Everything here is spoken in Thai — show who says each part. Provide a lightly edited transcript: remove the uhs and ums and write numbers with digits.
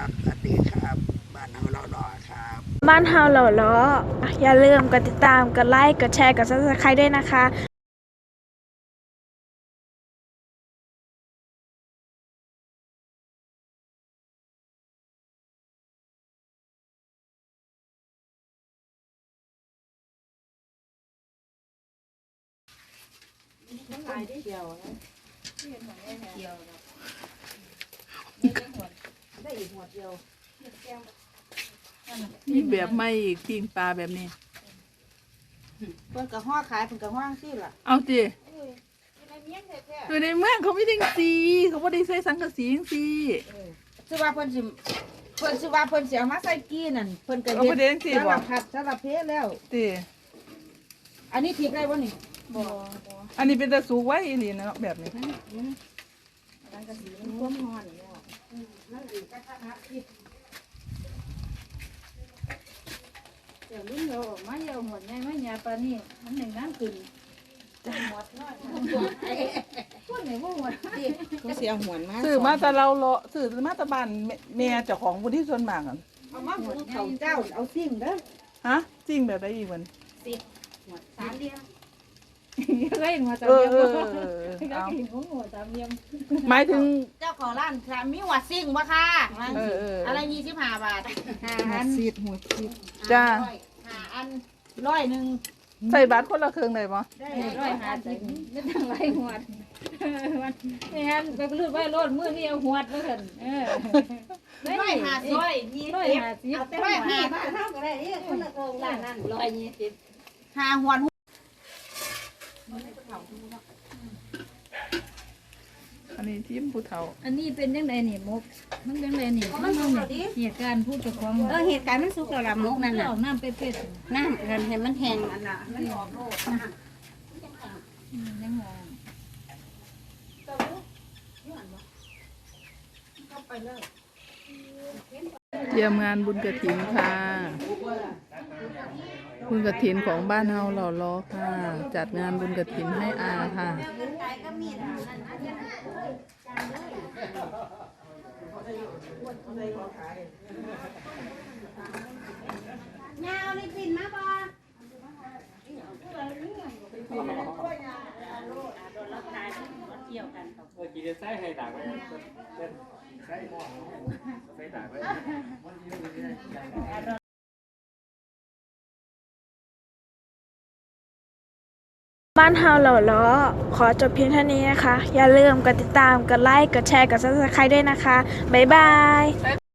Speaker 1: สวัสดีครับบ้านเฮาเรารอครับ
Speaker 2: บ้านเฮาเหล่าล้ออย่าลืมกดติดตามกดไลค์กดแชร์กด Subscribe ด้วยนะคะ
Speaker 3: นี่แบบไม่อีกปิ้งปลาแบบนี้
Speaker 4: เพิ่นก็ฮ้อขายเพิ่นก็ฮ้อซี่ล่ะ
Speaker 3: เอาจิอยู่ในเมืองเขาไม่ได้สีเขาไม่ได้ใส่สังกะสีจังซี่
Speaker 4: สิว่าเพิ่นสิว่าเพิ่นสิเอามาใส่กี้นั่นเพิ่นก็
Speaker 3: เอาไปเด้งสิ
Speaker 4: สาร
Speaker 3: บ่
Speaker 4: พัดสารเพแล้ว
Speaker 3: ติ
Speaker 4: อันนี้พริกได้บ่นี่บ่
Speaker 3: อันนี้เป็นตะสูกไว้อีหลีเนาะแบบนี้
Speaker 4: อันก็สีมันท่วมฮ้อนแล้วนั่นอีกกระทะพริกเดี๋ยวรุ่นเราออกมาเยอะหมดไงไม่ยาปลานี่มันหนึ่งน้ำขึ้นหมดน้อยพวกไหนบ่หมดก็สิเอาหวนมา
Speaker 3: ซื้อมาแต่เราเลาะซื้อมาแต่บ้านแม่เจ้าของผู้ที่ส่วนมากอ่ะ
Speaker 4: เอามาหุงข้าวเจ้าเอาซิ่งเด้อ
Speaker 3: ฮะจริงแบบใดอีกมัน
Speaker 4: หมด3เดียว
Speaker 5: ก็เห็นหัว
Speaker 3: เอ
Speaker 5: ตาม
Speaker 3: อ
Speaker 5: เยี่ยม
Speaker 3: เออ
Speaker 5: ก็
Speaker 3: เออ
Speaker 5: เห็น
Speaker 3: เอา
Speaker 5: หัวตามเยี่ยม
Speaker 3: หมายถึง
Speaker 4: เจ้าของร้านค่ะมีหัวซิ่งบ่ค่ะ อะไร25 บาท
Speaker 5: หัวซีดหัวซีด
Speaker 3: จ้า
Speaker 4: 5อัน100นึง
Speaker 3: ใส่บาทคนละครึ่งได้บ่
Speaker 4: ได้
Speaker 5: 150ไม่ต้องไล่หัวไม่งั้นไปรูดไว้รถมือนี่เอาหัวแล้วกัน
Speaker 4: 150
Speaker 5: 150
Speaker 4: เอาแต่150
Speaker 5: บ้านเท่าก็ได้นี่คนละกองร้านนั่น120
Speaker 4: หาหวน
Speaker 3: อันนี้ทีมผู้เฒ่า
Speaker 5: อันนี้เป็นยังไงนี่มุกมันยังไงนี่มันเหตุการณ์พูดกับของ
Speaker 6: เหตุการณ์มันสุกแล้วล่ะมุกนั่น
Speaker 5: อ
Speaker 6: น่ะ
Speaker 5: อกน้ำเป็ด
Speaker 6: น้ำกันให้มันแห้ง
Speaker 4: อันน่ะมันออกโลก
Speaker 5: ยังงง
Speaker 3: เตรียมงานบุญกฐินค่ะบุญกฐินของบ้านเฮาหล่อล้อค่ะ จัดงานบุญกฐินให้อาค่ะ
Speaker 6: ยาวนี่ปิ่นมาบ่
Speaker 7: กินจะใส่ให้ต่างไปใส่หม้อใส่ต่างไป
Speaker 2: บ้านเฮาเหล่าล้อขอจบเพียงเท่านี้นะคะอย่าลืมกดติดตามกดไลค์กดแชร์กด Subscribe ด้วยนะคะบ๊ายบาย